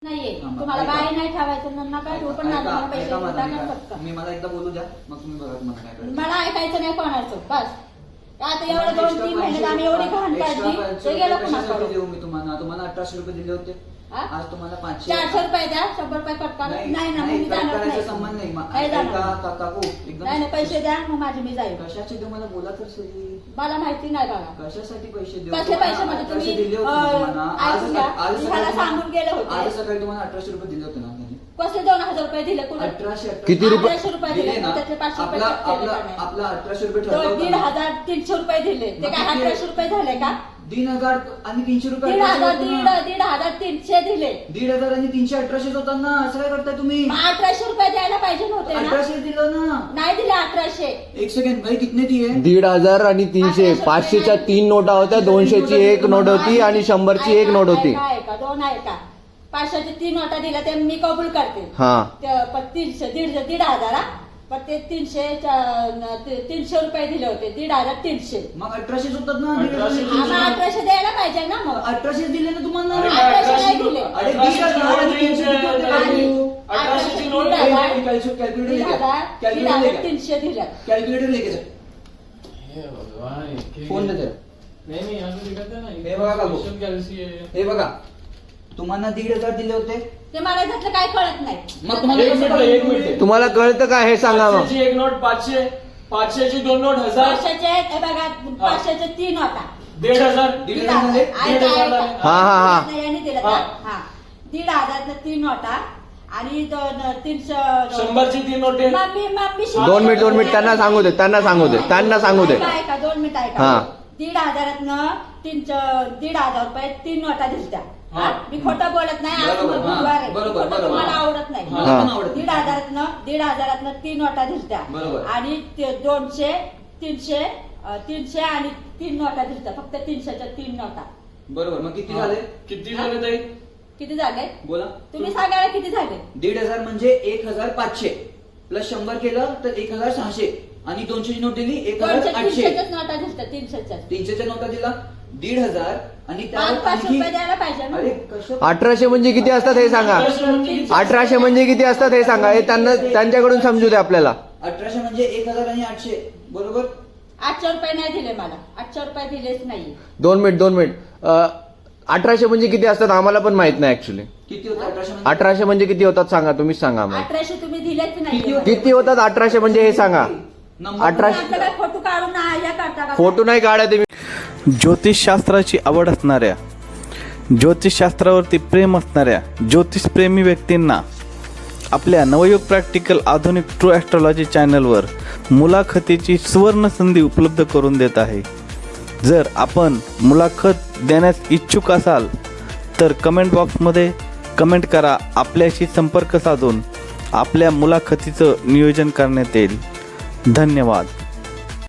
नाहीये तुम्हाला बाई नाही ठेवायचं नका ठेवू पण नका पैसे टाका फक्त. मी मला एकदा बोलू द्या मग तुम्ही बघा तुम्हाला काय करायचं. मला ऐकायचं नाही कोणाचं बस. आता एवढं 2-3 महिन्यात आम्ही एवढी घाण काढली ते गेलं कशासाठी कुणाकडे. देऊ मी तुम्हाला 1800 रुपये दिले होते. आज तुम्हाला 500 400 रुपये द्या 100 रुपये कट करा. नाही ना मी जाणार करायचा नाही. संबंध नाही. नाही जाणार. काकू एकदम नाही पैसे द्या मग माझी मी जाईल. कशाचे देऊ मला बोला तर सही. मला माहिती नाही बघा कशासाठी पैसे देऊ. कसले पैसे म्हणजे तुम्ही दिले होते तुम्हाला. ऐकून घ्या. मला सांगून गेले आज होते सकाळी तुम्हाला 1800 रुपये दिले होते ना. कसले 2000 रुपये दिले कुठे 1800 किती रुपये 1800 रुपये दिले ना. त्यातले 500 रुपये आपला 1800 रुपये ठरला होता ना. 1,500 रुपये दिले ते काय 1800 रुपये झाले का. 3,000 आणि 300 रुपये 1,500 दिले. 1,500 आणि 300 1800 होता ना. असं काय करताय तुम्ही. मग 1800 रुपये द्यायला पाहिजे नव्हते ना. 1800 दिलं ना. नाही दिले 1800. एक सेकंड भाई कितने दिए. 1,500 आणि 300 500च्या 3 नोटा होत्या 200ची 1 नोट होती आणि 100ची 1 नोट होती. आहे का 2 आहे का 500ची 3 नोटा दिल्या ते मी कबूल करते. हा पण 300 1,500 पण ते 300 रुपये दिले होते 1,300. मग 1800 होतात ना. आम्हाला 1800 द्यायला पाहिजे ना मग. 1800 दिले ना तुम्हाला. 1800 नाही दिले. अरे 1,000 आणि 300 किती होते काकू? 1800ची नोट कॅल्क्युलेटर 300 दिल्या. कॅल्क्युलेटर लेके जा. फोन दे. हे बघा काकू. हे बघा तुम्हाला 1,500 दिले होते. ते मला त्यातलं काय कळत नाही. मग तुम्हाला एक मिनिट तुम्हाला कळतं का हे सांगा मग. 500ची 1 नोट 500 500ची 2 नोट 1000 500चे हे बघा 500चे 3 होता 1,500 हा. यांनी दिलं का? हा 1,500 3 नोटा आणि 300 100ची 3 नोटे. मम्मी 2 मिनिट त्यांना सांगू दे ऐका 2 मिनिट ऐका. हा. 1,500 1,500 रुपये 3 नोटा दिसत्या. हा. मी खोटं बोलत नाही. आज बरोबर, बुधवार आहे. बरोबर, खोटं बरोबर. तुम्हाला आवडत नाही. मला पण आवडत नाही. 1,500 3 नोटा दिसत्या. बरोबर. आणि 200 300 आणि 3 नोटा दिसत्या. फक्त 300च्या 3 नोटा. बरोबर. मग किती झाले. किती झाले ताई. किती झाले बोला. तुम्ही सांगायला किती झाले. 1,500 म्हणजे 1,500 प्लस 100 केलं तर 1,600 आणि 200ची नोट दिली 1,800. 300च्याच नोटा दिसत्या 300च्या. 300च्या नोटा दिला 1,500 आणि 500 रुपये द्यायला पाहिजे ना. अरे कसं 1800 म्हणजे किती असतात हे सांगा. 1800 म्हणजे किती असतात हे सांगा. हे त्यांच्याकडून समजू दे आपल्याला. 1800 म्हणजे 1,000 आणि 800 बरोबर. 800 रुपये नाही दिले मला. 800 रुपये दिलेच नाही. 2 मिनिट 1800 म्हणजे किती असतात आम्हाला पण माहित नाही ऍक्च्युली. किती होतं 1800 1800 म्हणजे किती होतात सांगा. तुम्हीच सांगा आम्हाला. 1800 तुम्ही दिलेच नाही. किती होते? किती होतात 1800 म्हणजे हे सांगा. नंबर 1800 फोटो काढून हे करता का. फोटो नाही काढा तुम्ही. ज्योतिषशास्त्राची आवड असणाऱ्या, ज्योतिषशास्त्रावरती प्रेम असणाऱ्या ज्योतिषप्रेमी व्यक्तींना आपल्या नवयुग प्रॅक्टिकल आधुनिक ट्रू ॲस्ट्रॉलॉजी चॅनलवर मुलाखतीची सुवर्ण संधी उपलब्ध करून देत आहे. जर आपण मुलाखत देण्यास इच्छुक असाल तर कमेंट बॉक्समध्ये कमेंट करा. आपल्याशी संपर्क साधून आपल्या मुलाखतीचं नियोजन करण्यात येईल. धन्यवाद.